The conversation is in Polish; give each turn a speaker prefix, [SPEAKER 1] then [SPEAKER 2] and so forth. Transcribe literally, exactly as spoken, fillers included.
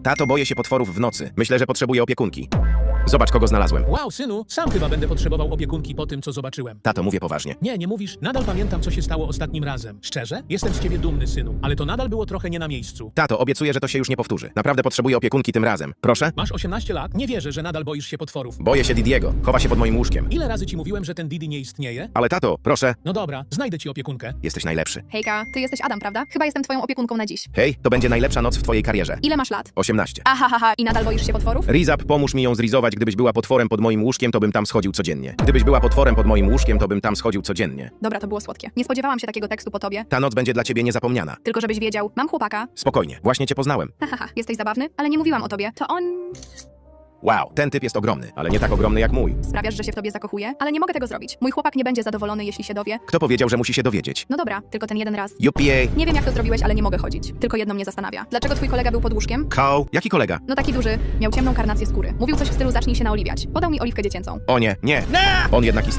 [SPEAKER 1] Tato, boję się potworów w nocy. Myślę, że potrzebuję opiekunki. Zobacz, kogo znalazłem.
[SPEAKER 2] Wow, synu, sam chyba będę potrzebował opiekunki po tym, co zobaczyłem.
[SPEAKER 1] Tato, mówię poważnie.
[SPEAKER 2] Nie, nie mówisz. Nadal pamiętam, co się stało ostatnim razem. Szczerze? Jestem z ciebie dumny, synu, ale to nadal było trochę nie na miejscu.
[SPEAKER 1] Tato, obiecuję, że to się już nie powtórzy. Naprawdę potrzebuję opiekunki tym razem. Proszę?
[SPEAKER 2] Masz osiemnaście lat? Nie wierzę, że nadal boisz się potworów.
[SPEAKER 1] Boję się Didiego. Chowa się pod moim łóżkiem.
[SPEAKER 2] Ile razy ci mówiłem, że ten Didi nie istnieje?
[SPEAKER 1] Ale tato, proszę.
[SPEAKER 2] No dobra, znajdę ci opiekunkę.
[SPEAKER 1] Jesteś najlepszy.
[SPEAKER 3] Hejka, ty jesteś Adam, prawda? Chyba jestem twoją opiekunką na dziś.
[SPEAKER 1] Hej, to będzie najlepsza noc w twojej karierze.
[SPEAKER 3] Ile masz lat?
[SPEAKER 1] osiemnaście.
[SPEAKER 3] Ahahaha, i nadal boisz się potworów?
[SPEAKER 1] Rizap, pomóż mi ją zrizować. Gdybyś była potworem pod moim łóżkiem, to bym tam schodził codziennie. Gdybyś była potworem pod moim łóżkiem, to bym tam schodził codziennie.
[SPEAKER 3] Dobra, to było słodkie. Nie spodziewałam się takiego tekstu po tobie.
[SPEAKER 1] Ta noc będzie dla ciebie niezapomniana.
[SPEAKER 3] Tylko żebyś wiedział, mam chłopaka.
[SPEAKER 1] Spokojnie, właśnie cię poznałem.
[SPEAKER 3] Hahaha, jesteś zabawny, ale nie mówiłam o tobie. To on...
[SPEAKER 1] Wow, ten typ jest ogromny, ale nie tak ogromny jak mój.
[SPEAKER 3] Sprawiasz, że się w tobie zakochuje, ale nie mogę tego zrobić. Mój chłopak nie będzie zadowolony, jeśli się dowie.
[SPEAKER 1] Kto powiedział, że musi się dowiedzieć?
[SPEAKER 3] No dobra, tylko ten jeden raz.
[SPEAKER 1] Juppie.
[SPEAKER 3] Nie wiem, jak to zrobiłeś, ale nie mogę chodzić. Tylko jedno mnie zastanawia. Dlaczego twój kolega był pod łóżkiem?
[SPEAKER 1] Koł. Jaki kolega?
[SPEAKER 3] No taki duży, miał ciemną karnację skóry. Mówił coś w stylu zacznij się naoliwiać. Podał mi oliwkę dziecięcą.
[SPEAKER 1] O nie, nie. On jednak istnieje.